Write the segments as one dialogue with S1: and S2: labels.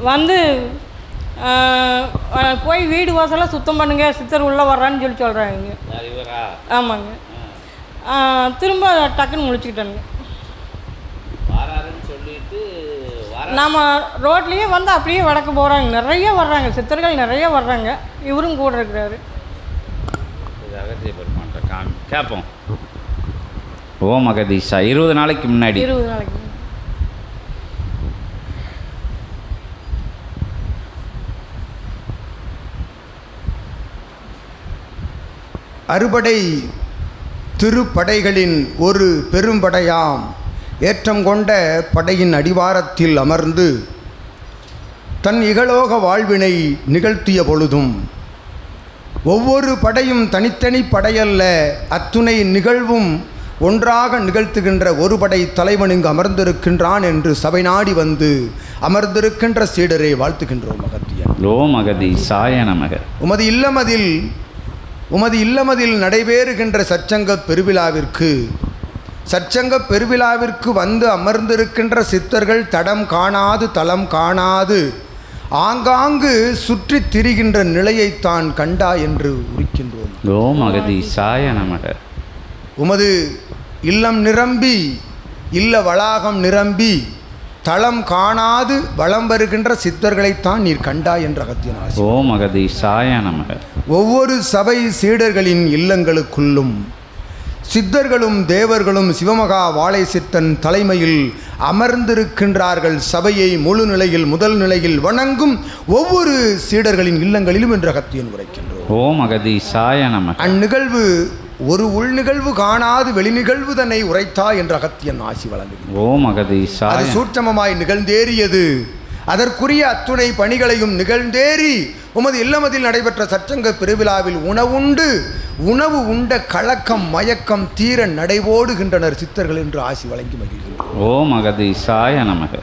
S1: வந்து போய் வீடு வாசலாம் சுத்தம் பண்ணுங்க, சித்தர் உள்ளே வர்றான்னு சொல்கிறாங்க. ஆமாங்க. திரும்ப டக்குன்னு முழிச்சுக்கிட்டானுங்க. நம்ம ரோட்லேயே வந்து அப்படியே வடக்க போகிறாங்க. நிறைய வர்றாங்க, சித்தர்கள் நிறைய வர்றாங்க. இவரும் கூட இருக்கிறாரு.
S2: கேட்போம். ஓம் அகதீஷா 20 நாளைக்கு முன்னாடி
S1: 20 நாளைக்கு
S3: அறுபடை திருப்படைகளின் ஒரு பெரும்படையாம் ஏற்றம் கொண்ட படையின் அடிவாரத்தில் அமர்ந்து தன் இகலோக வாழ்வினை நிகழ்த்திய பொழுதும் ஒவ்வொரு படையும் தனித்தனி படையல்ல, அத்துணை நிகழ்வும் ஒன்றாக நிகழ்த்துகின்ற ஒரு படை தலைவன் இங்கு அமர்ந்திருக்கின்றான் என்று சபை நாடி வந்து அமர்ந்திருக்கின்ற சீடரை வாழ்த்துகின்றோம். அகத்தியன்
S2: ஓம் அகதீஷாய நமக.
S3: உமது இல்லமதில் நடைபெறுகின்ற சற்சங்க பெருவிழாவிற்கு வந்து அமர்ந்திருக்கின்ற சித்தர்கள் தடம் காணாது தலம் காணாது ஆங்காங்கு சுற்றி திரிகின்ற நிலையைத்தான் கண்டா என்று உரிக்கின்றோம்.
S2: ஓம் அகதீஷாய நமக.
S3: உமது இல்லம் நிரம்பி இல்ல வளாகம் நிரம்பி தளம் காணாது வளம் வருகின்ற சித்தர்களைத்தான் நீர் கண்டா என்ற அகத்தியன் ஆசி.
S2: ஓம் அகதீஷாய நமக.
S3: ஒவ்வொரு சபை சீடர்களின் இல்லங்களுக்குள்ளும் சித்தர்களும் தேவர்களும் சிவமகா வாழை சித்தன் தலைமையில் அமர்ந்திருக்கின்றார்கள். சபையை முழு நிலையில் முதல் நிலையில் வணங்கும் ஒவ்வொரு சீடர்களின் இல்லங்களிலும் என்ற அகத்தியன் உரைக்கின்றோம்.
S2: ஓம் அகதீஷாய நமக.
S3: அந்நிகழ்வு ஒரு உள்நிகழ்வு காணாது வெளிநிகழ்வு தன்னை உரைத்தா என்ற அகத்தியன் ஆசி வழங்குகிறது.
S2: ஓம் அகதீஷாய.
S3: அது சூட்சமமாய் நிகழ்ந்தேறியது. அதற்குரிய அத்துணை பணிகளையும் நிகழ்ந்தேறி உமது இல்லமதில் நடைபெற்ற சற்சங்க பெருவிழாவில் உணவு உண்ட கலக்கம் மயக்கம் தீர நடைபோடுகின்றனர் சித்தர்கள் என்று ஆசி வழங்கி மகிழ்கின்றனர்.
S2: ஓம் அகதீஷாய நமக.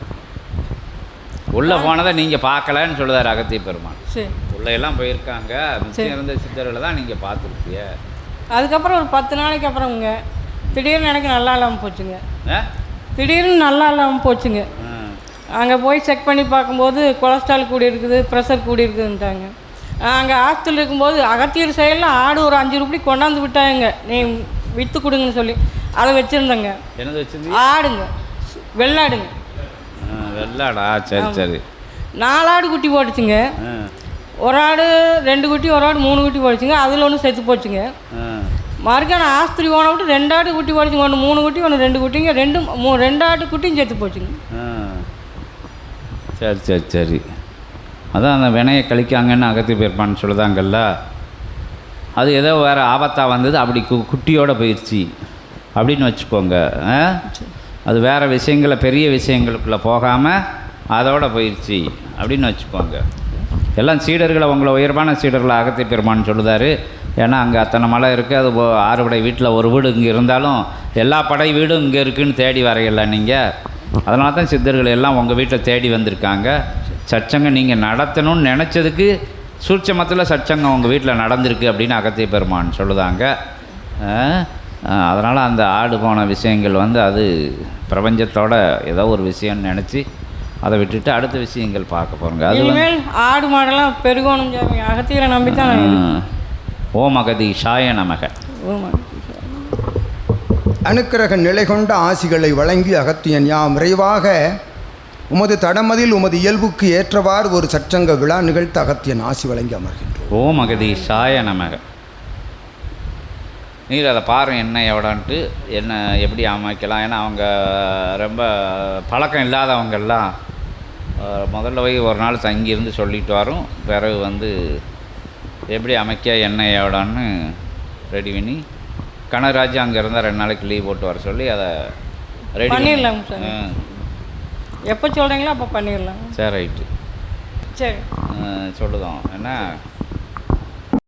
S2: உள்ள போனதை நீங்கள் பார்க்கலன்னு சொல்லுதார் அகத்திய பெருமான். உள்ள எல்லாம் போயிருக்காங்க, மிச்சம் இருந்த சித்தர்களை தான் நீங்கள் பார்த்துருப்பீங்க.
S1: அதுக்கப்புறம் ஒரு 10 நாளைக்கு அப்புறம்ங்க திடீர்னு எனக்கு நல்லா இல்லாமல் போச்சுங்க. திடீர்னு நல்லா இல்லாமல் போச்சுங்க. அங்கே போய் செக் பண்ணி பார்க்கும்போது கொலஸ்ட்ரால் கூடி இருக்குது, ப்ரெஷர் கூடி இருக்குதுன்ட்டாங்க. அங்கே ஹாஸ்டல் இருக்கும்போது அகத்தியர் செயலில் ஆடு ஒரு 5 ரூபாய் கொண்டாந்து விட்டாங்க, நீ விற்று கொடுங்கன்னு சொல்லி. அதை வச்சுருந்தேங்க.
S2: என்னது வச்சுருந்தீங்க?
S1: ஆடுங்க, வெள்ளாடுங்க.
S2: வெள்ளாடா? சரி சரி.
S1: 4 ஆடு குட்டி போட்டுச்சுங்க. ஒரு ஆடு 2 குட்டி, ஒரு ஆடு 3 குட்டி போட்டுச்சுங்க. அதில் ஒன்று செத்து போச்சுங்க. மறுக்கான ஆஸ்திரி போன விட்டு 2 ஆடு குட்டி போட்டுச்சுங்க. ஒன்று 3 குட்டி, ஒன்று 2 குட்டிங்க. 2 ஆடு குட்டியும் செத்து போச்சுங்க.
S2: சரி சரி சரி. அதான் அந்த வினையை கழிக்காங்கன்னு அகத்தி போயிருப்பான்னு சொல்லுதாங்கல்ல, அது ஏதோ வேறு ஆபத்தாக வந்தது, அப்படி குட்டியோடு போயிடுச்சு அப்படின்னு வச்சுக்கோங்க. அது வேறு விஷயங்களை பெரிய விஷயங்களுக்குள்ளே போகாமல் அதோடு போயிடுச்சு அப்படின்னு வச்சுக்கோங்க. எல்லாம் சீடர்களை உங்களை உயர்வான சீடர்களை அகத்தி பெருமான்னு சொல்லுதார். ஏன்னா அங்கே அத்தனை மலை இருக்குது. அது 6 படை வீட்டில் ஒரு வீடு இங்கே இருந்தாலும் எல்லா படை வீடும் இங்கே இருக்குதுன்னு தேடி வரையில நீங்கள். அதனால தான் சித்தர்கள் எல்லாம் உங்கள் வீட்டில் தேடி வந்திருக்காங்க. சச்சங்கம் நீங்கள் நடத்தணும்னு நினச்சதுக்கு சூட்சமத்தில் சச்சங்கம் உங்கள் வீட்டில் நடந்திருக்கு அப்படின்னு அகத்திய பெருமான் சொல்லுதாங்க. அதனால் அந்த ஆடு போன விஷயங்கள் வந்து அது பிரபஞ்சத்தோட ஏதோ ஒரு விஷயம்னு நினச்சி அதை விட்டுட்டு அடுத்த விஷயங்கள் பார்க்க போகிறோங்க.
S1: அது ஆடு மாடெல்லாம் பெருகோணும் அகத்தியரை நம்பி தான்.
S2: ஓம் அகதீஷாய நமக.
S3: அனுக்கிரக நிலை கொண்ட ஆசிகளை வழங்கி அகத்தியன் யாம் விரைவாக உமது தடமதில் உமது இயல்புக்கு ஏற்றவாறு ஒரு சற்சங்க விழா நிகழ்த்த அகத்தியன் ஆசி வழங்கி அமர்கின்றோம்.
S2: ஓம் அகதீஷாய நமக. நீர் அதை பாருங்கள் என்ன எவ்வளோன்ட்டு என்ன எப்படி அமைக்கலாம். ஏன்னா அவங்க ரொம்ப பழக்கம் இல்லாதவங்கெல்லாம் முதல்ல போய் ஒரு நாள் தங்கியிருந்து சொல்லிட்டு வரும். பிறகு வந்து எப்படி அமைக்க என்ன எவ்வளோன்னு ரெடி பண்ணி கனகராஜ் அங்கே இருந்தால் 2 நாளைக்கு லீவ் போட்டு வர சொல்லி அதை ரெடி
S1: பண்ணிடலாம் சார். எப்போ சொல்கிறீங்களோ அப்போ பண்ணிடலாம்.
S2: சரி ரைட்டு.
S1: சரி
S2: சொல்லுதோம் என்ன